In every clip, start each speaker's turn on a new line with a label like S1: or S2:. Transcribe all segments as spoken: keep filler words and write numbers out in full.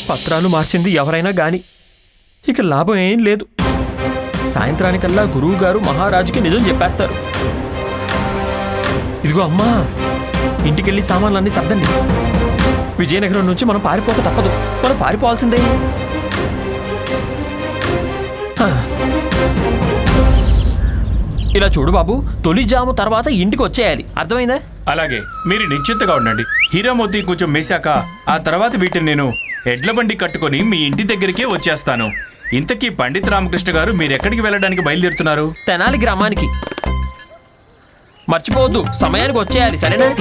S1: పత్రాలు మార్చింది ఎవరైనా గాని ఇక లాభం ఏం లేదు. సాయంత్రానికల్లా గురువు గారు మహారాజుకి నిజం చెప్పేస్తారు. ఇదిగో అమ్మా, ఇంటికెళ్ళి సామాన్లన్నీ సర్దండి. విజయనగరం నుంచి మనం పారిపోక తప్పదు. మనం పారిపోవాల్సిందే. ఇలా చూడు బాబు, తొలి జాము తర్వాత ఇంటికి వచ్చేయాలి, అర్థమైందా?
S2: అలాగే, మీరు నిశ్చింతగా ఉండండి. హీరామోతి కొంచెం మేశాక ఆ తర్వాత వీటిని నేను ఎడ్ల బండి కట్టుకొని మీ ఇంటి దగ్గరికే వచ్చేస్తాను. ఇంతకీ పండిత్ రామకృష్ణ గారు మీరెక్కడికి వెళ్ళడానికి బయలుదేరుతున్నారు?
S1: తెనాలి గ్రామానికి. మర్చిపోవద్దు, సమయానికి వచ్చేయాలి, సరేనా?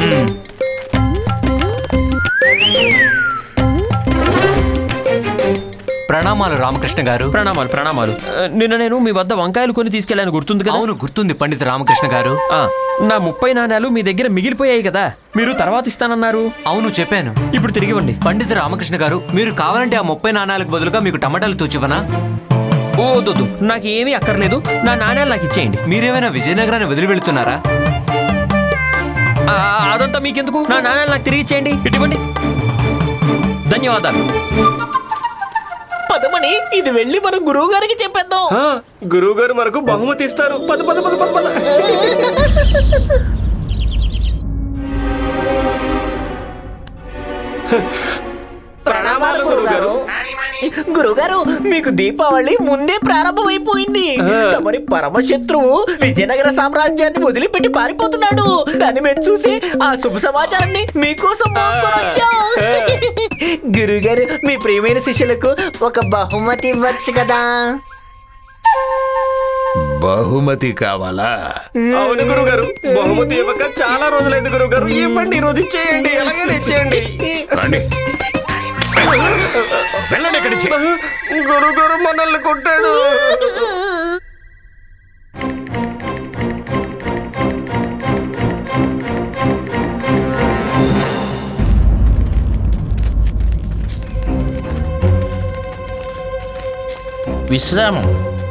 S3: ప్రణామాలు రామకృష్ణ గారు.
S1: ప్రణామాలు ప్రణామాలు. నిన్న నేను మీ వద్ద వంకాయలు కొని తీసుకెళ్ళాను, గుర్తుంది కదా?
S3: అవును, గుర్తుంది పండిత రామకృష్ణ గారు.
S1: నా ముప్పై నాణ్యాలు మీ దగ్గర మిగిలిపోయాయి కదా, మీరు తర్వాత ఇస్తానన్నారు.
S3: అవును, చెప్పాను.
S1: ఇప్పుడు తిరిగి ఇవ్వండి.
S3: పండిత రామకృష్ణ గారు, మీరు కావాలంటే ఆ ముప్పై నాణ్యాలకు బదులుగా మీకు టమాటాలు తూచివనా?
S1: ఓ దొద్దు, నాకు ఏమీ అక్కర్లేదు. నా నాణ్యాలు నాకు ఇచ్చేయండి.
S3: మీరేమైనా విజయనగరాన్ని వదిలి వెళుతున్నారా?
S1: అదంతా మీకెందుకు, నా నాణ్యాలు నాకు తిరిగి ఇచ్చేయండి. ఇటువంటి ధన్యవాదాలు.
S4: పదమని, ఇది వెళ్ళి మనం గురువు గారికి చెప్పేద్దాం.
S5: గురువు గారు మనకు బహుమతి ఇస్తారు. పద పద పద పద పద.
S4: ప్రణామాలు గురుగారు. గురుగారు, మీకు దీపావళి ముందే ప్రారంభమైపోయింది. తమరి పరమశత్రువు విజయనగర సామ్రాజ్యాన్ని వదిలిపెట్టి పారిపోతున్నాడు. దాన్ని మేము చూసి ఆ శుభ సమాచారాన్ని మీకోసం మోసుకొని వచ్చాం. గురుగారు, మీ ప్రియమైన శిష్యులకు ఒక బహుమతి ఇవ్వచ్చు కదా?
S6: బహుమతి కావాలా?
S5: అవును గురుగారు, బహుమతి ఇవ్వక చాలా రోజులైంది గురుగారు. ఇవ్వండి, ఈ రోజు ఇచ్చేయండి, ఎలాగైనా ఇచ్చేయండి.
S6: వెళ్ళండి ఇక్కడి నుంచి.
S5: గురుగారు మనల్ని కొట్టాడు.
S7: విశ్రామం.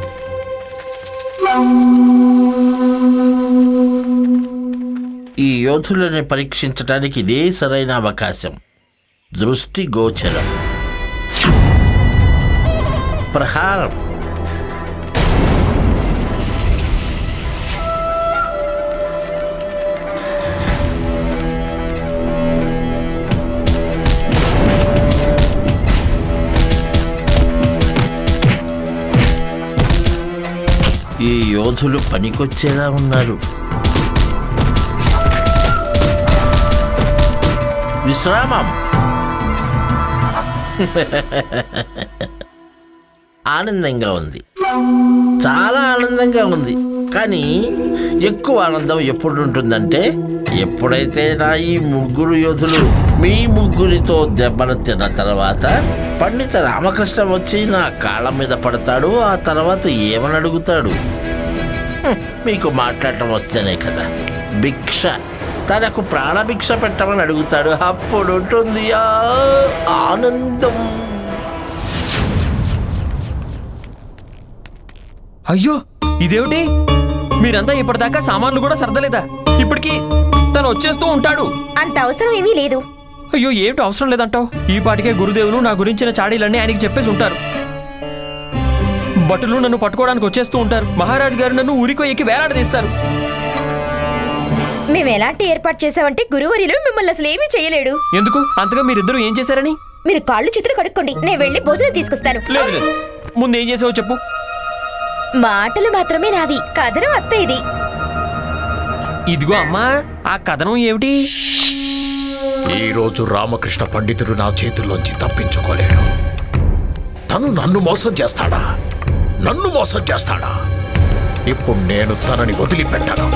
S7: ఈ యోధులని పరీక్షించడానికి ఇదే సరైన అవకాశం. దృష్టి గోచరం. ప్రహారం. ఈ యోధులు పనికొచ్చేలా ఉన్నారు. విశ్రామం. ఆనందంగా ఉంది, చాలా ఆనందంగా ఉంది. కానీ ఎక్కువ ఆనందం ఎప్పుడు ఉంటుందంటే, ఎప్పుడైతే నా ఈ ముగ్గురు యోధులు మీ ముగ్గురితో దెబ్బలు తిన్న తర్వాత పండిత రామకృష్ణ వచ్చి నా కాళ్ళ మీద పడతాడు. ఆ తర్వాత ఏమని అడుగుతాడు? మీకు మాట్లాడటం వస్తేనే కదా. భిక్ష, తనకు ప్రాణభిక్ష పెట్టమని అడుగుతాడు. అప్పుడు ఉంటుంది ఆనందం.
S1: అయ్యో, ఇదేమిటి? మీరంతా ఇప్పటిదాకా సామాన్లు కూడా సర్దలేదా? ఇప్పటికి తను వచ్చేస్తూ ఉంటాడు.
S8: అంత అవసరం ఏమీ లేదు.
S1: అయ్యో, ఏమిటి అవసరం లేదంటావు? ఈ పాటికే గురుదేవులు నా గురించిన చాడీలన్నీ ఆయనకి చెప్పేసి ఉంటారు. భటులు నన్ను పట్టుకోవడానికి వచ్చేస్తూ ఉంటారు. మహారాజు గారు నన్ను ఊరికో ఎక్కి వేలాడదీస్తారు.
S8: మేము ఎలాంటి ఏర్పాటు చేసామంటే గురువరిలో మిమ్మల్ని అసలు ఏమీ చేయలేడు.
S1: ఎందుకు? అంతగా మీరిద్దరూ ఏం చేశారని?
S8: మీరు కాళ్ళు చేతులు కడుక్కోండి, నేను వెళ్ళి భోజనం తీసుకొస్తాను.
S1: లేదు లేదు, ముందు ఏం చేసావో చెప్పు.
S8: మాటలు మాత్రమే నావి, కథనం అత్త ఇది.
S1: ఇదిగో అమ్మా, ఆ కథనం ఏమిటి?
S6: ఈ రోజు రామకృష్ణ పండితుడు నా చేతుల్లోంచి తప్పించుకోలేడు. తను నన్ను మోసం చేస్తాడా? నన్ను మోసం చేస్తాడా? ఇప్పుడు నేను తనని వదిలిపెట్టాను.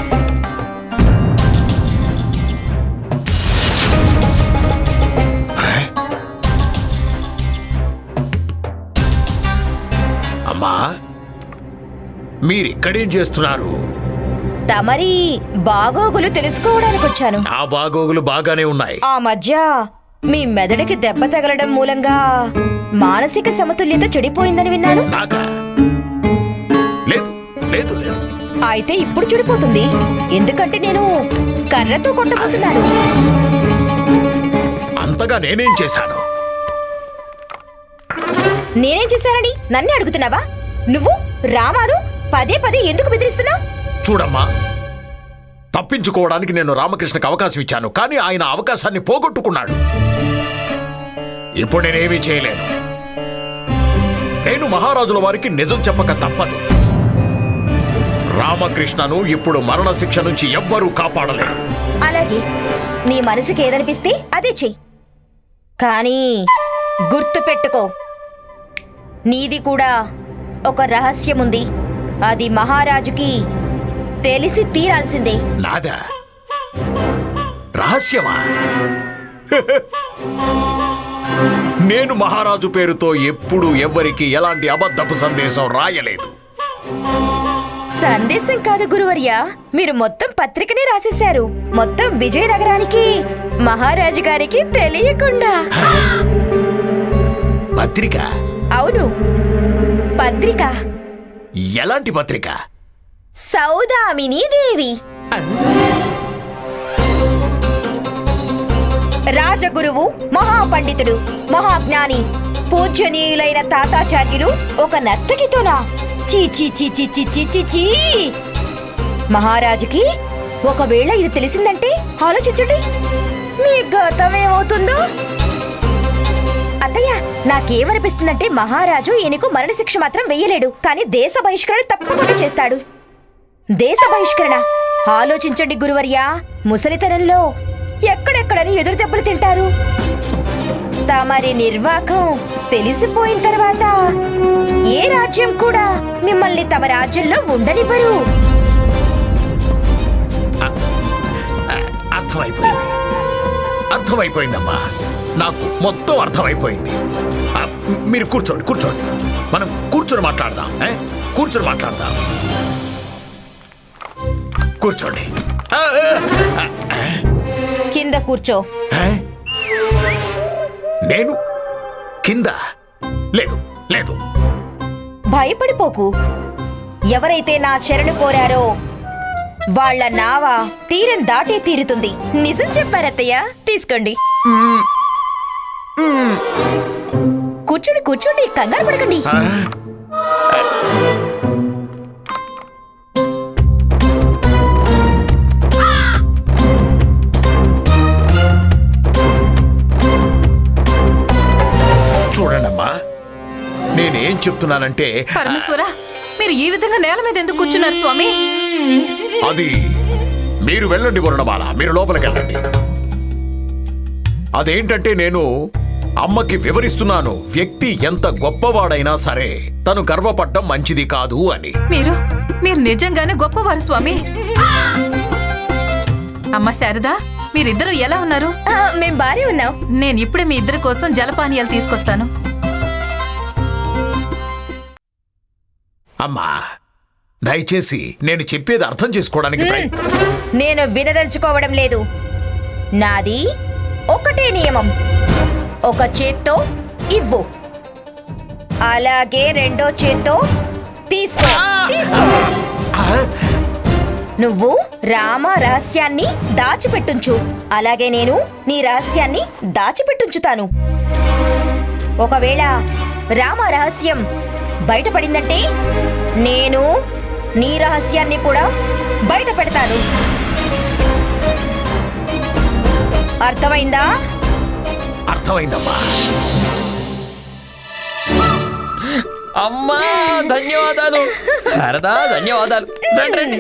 S6: అమ్మా, మీరిక్కడేం చేస్తున్నారు?
S8: తమరి బాగోగులు తెలుసుకోవడానికి వచ్చాను.
S6: నా బాగోగులు బాగానే ఉన్నాయి.
S8: ఆ మధ్య మీ మెదడుకి దెబ్బ తగలడం మూలంగా మానసిక సమతుల్యత చెడిపోయిందని విన్నాను.
S6: నాకా? లేదు లేదు లేదు.
S8: అయితే ఇప్పుడు చెడిపోతుంది, ఎందుకంటే నేను కర్రతో కొట్టబోతున్నాను.
S6: అంతగా నేనేం చేశాను?
S8: నేనేం చేశానని నన్నే అడుగుతున్నావా? నువ్వు రామాను పదే పదే ఎందుకు బెదిరిస్తున్నావు?
S6: చూడమ్మా, తప్పించుకోవడానికి నేను రామకృష్ణకి అవకాశం ఇచ్చాను, కానీ ఆయన అవకాశాన్ని పోగొట్టుకున్నాడు. ఇప్పుడు నేనేమీ చేయలేను. నేను మహారాజుల వారికి నిజం చెప్పక తప్పదు. రామకృష్ణను ఇప్పుడు మరణశిక్ష నుంచి ఎవ్వరూ కాపాడలేరు.
S8: అలాగే నీ మనసుకి ఏదనిపిస్తే అదే చెయ్యి. కానీ గుర్తు పెట్టుకో, నీది కూడా ఒక రహస్యం ఉంది. అది మహారాజుకి తెలిసి తీరాల్సిందే.
S6: నాదా రహస్యమా? నేను మహారాజు పేరుతో ఎప్పుడు ఎవ్వరికి ఎలాంటి అబద్ధపు సందేశం రాయలేదు.
S8: సందేశం కాదు గురువర్యా, మీరు మొత్తం పత్రికనే రాసేశారు. మొత్తం విజయనగరానికి మహారాజు గారికి తెలియకుండా.
S6: పత్రిక?
S8: అవును, పత్రిక.
S6: ఎలాంటి పత్రిక?
S8: సౌదామిని దేవి, రాజగురువు, మహాపండితుడు, మహాజ్ఞాని, పూజ్యనీయులైన తాతాచార్యులు ఒక నర్తకితోనా? చీ చీ చీ చీ చీ చీ చీ చీ. మహారాజుకి ఒకవేళ ఇది తెలిసిందంటే ఆలోచించండి మీ గతం ఏమవుతుందో. అత్తయ్య, నాకేమనిపిస్తుందంటే మహారాజు ఈయనకు మరణశిక్ష మాత్రం వెయ్యలేడు, కానీ దేశ బహిష్కరణ తప్పకుండా చేస్తాడు. దేశ బహిష్కరణ ఆలోచించండి గురువర్యా. ముసలితనంలో ఎక్కడెక్కడని ఎదురు దెబ్బలు తింటారు. తమరి నిర్వాకం తెలిసిపోయిన తర్వాత ఏ రాజ్యం కూడా మిమ్మల్ని తమ రాజ్యంలో ఉండనివ్వరు.
S6: అర్థమైపోయింది, అర్థమైపోయిందమ్మా. నాకు మొత్తం అర్థమైపోయింది. ఆ, మీరు కూర్చోండి, కూర్చోండి. మనం కూర్చొని మాట్లాడదాం. ఏ? కూర్చొని మాట్లాడదాం. కూర్చోండి. ఆ, ఆ, ఆ.
S8: కింద కూర్చో.
S6: ఏ? నేను కింద? లేదు లేదు.
S8: భయపడిపోకు. ఎవరైతే నా శరణు కోరారో వాళ్ళ నావ తీరం దాటే తీరుతుంది. నిజం చెప్పారత్తయ్య. తీసుకోండి. కూర్చోండి కూర్చోండి, కంగారు పడకండి.
S6: ఆ? చూడండమ్మా, నేనేం చెప్తున్నానంటే
S9: పరమేశ్వర, మీరు ఈ విధంగా నేల మీద ఎందుకు కూర్చున్నారు స్వామి?
S6: అది మీరు వెళ్ళండి వరుణమాల, మీరు లోపలికి వెళ్ళండి. అదేంటంటే నేను అమ్మకి వివరిస్తున్నాను, వ్యక్తి ఎంత గొప్పవాడైనా సరే తను గర్వపడ్డం మంచిది కాదు అని.
S9: మీరు మీరు నిజంగానే గొప్పవారు స్వామి. అమ్మ శారదా, మీరిద్దరు ఎలా ఉన్నారు?
S8: ఆ, మేం బానే ఉన్నాం.
S9: నేను ఇప్పుడే మీ ఇద్దరి కోసం జలపానీయాలు తీసుకొస్తాను.
S6: అమ్మా, దయచేసి నేను చెప్పేది అర్థం చేసుకోవడానికి ప్రయ-
S8: నేను వినదలుచుకోవడం లేదు. నాది ఒకటే నియమం, ఒక చేత్తో ఇవ్వు, అలాగే రెండో చేత్తో తీసుకో. తీసుకో.
S6: ఆ?
S8: నువ్వు రామ రహస్యాన్ని దాచిపెట్టుంచు, అలాగే నేను నీ రహస్యాన్ని దాచిపెట్టుంచుతాను. ఒకవేళ రామ రహస్యం బయటపడిందంటే నేను నీ రహస్యాన్ని కూడా బయట పెడతాను. అర్థమైందా?
S6: అర్థమైందమ్మా.
S1: అమ్మా, ధన్యవాదాలు. శారదా, ధన్యవాదాలు. రండి, రండి.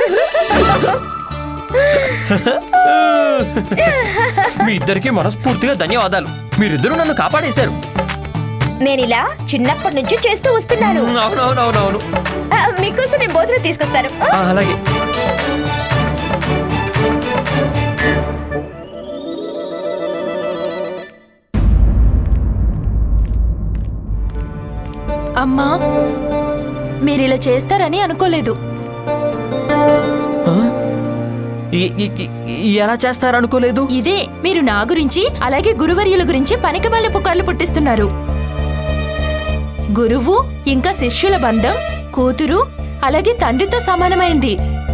S1: మీ ఇద్దరికి మనస్ఫూర్తిగా ధన్యవాదాలు. మీరిద్దరూ నన్ను కాపాడేశారు.
S8: నేనిలా చిన్నప్పటి నుంచి చేస్తూ వస్తున్నాను.
S1: అవునవునవునవును.
S8: ఆ, మీకోసం నేను భోజనం తీసుకొస్తాను. ఆ?
S1: ఆ, అలాగే.
S9: అమ్మా, మీరిలా చేస్తారని అనుకోలేదు.
S1: ఆ? ఈ- ఈ- ఈ- ఎలా చేస్తారనుకోలేదు.
S9: ఇదే మీరు నా గురించి అలాగే గురువర్యుల గురించి పనికిమాలిన పుకార్లు పుట్టిస్తున్నారు. గురువు ఇంకా శిష్యుల బంధం కూతురు అలాగే తండ్రితో సమానమైంది.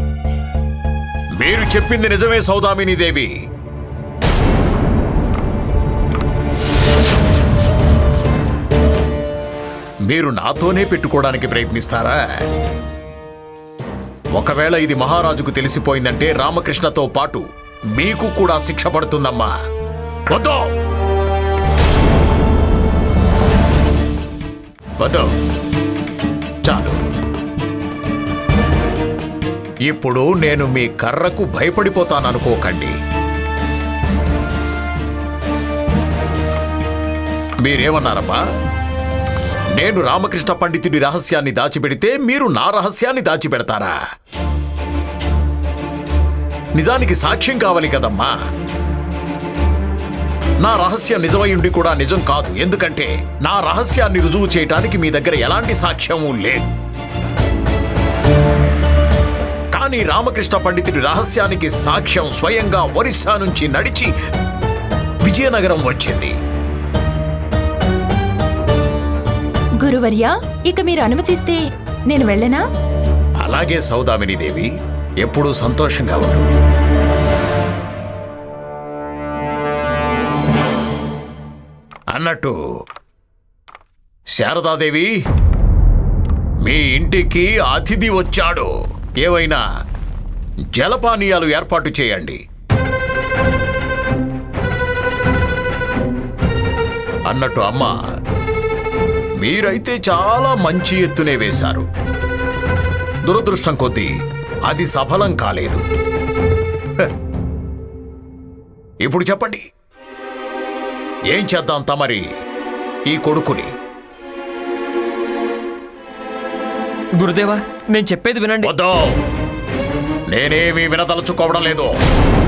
S6: మీరు చెప్పింది నిజమే సౌదామిని దేవి. మీరు నాతోనే పెట్టుకోవడానికి ప్రయత్నిస్తారా? ఒకవేళ ఇది మహారాజుకు తెలిసిపోయిందంటే రామకృష్ణతో పాటు మీకు కూడా శిక్ష పడుతుందమ్మా. వద్దు వద్దు చాలు. ఇప్పుడు నేను మీ కర్రకు భయపడిపోతాననుకోకండి. మీరేమన్నారమ్మా? నేను రామకృష్ణ పండితుడి రహస్యాన్ని దాచిపెడితే మీరు నా రహస్యాన్ని దాచిపెడతారా? నిజానికి సాక్ష్యం కావాలి కదమ్మా. నా రహస్యం నిజమై ఉండి కూడా నిజం కాదు, ఎందుకంటే నా రహస్యాన్ని రుజువు చేయటానికి మీ దగ్గర ఎలాంటి సాక్ష్యమూ లేదు. కానీ రామకృష్ణ పండితుడి రహస్యానికి సాక్ష్యం స్వయంగా ఒరిస్సా నుంచి నడిచి విజయనగరం వచ్చింది.
S9: గురువర్యా, ఇక మీరు అనుమతిస్తే నేను వెళ్ళనా?
S6: అలాగే సౌదామిని దేవి, ఎప్పుడూ సంతోషంగా ఉండు. అన్నట్టు శారదాదేవి, మీ ఇంటికి అతిథి వచ్చాడు. ఏవైనా జలపానీయాలు ఏర్పాటు చేయండి. అన్నట్టు అమ్మా, మీరైతే చాలా మంచి ఎత్తునే వేశారు. దురదృష్టం కొద్దీ అది సఫలం కాలేదు. హ. ఇప్పుడు చెప్పండి, ఏం చేద్దాం తమరి ఈ కొడుకుని?
S1: గురుదేవా, నేను చెప్పేది వినండి.
S6: వద్దు, నేనేమీ వినదలుచుకోవడం లేదు.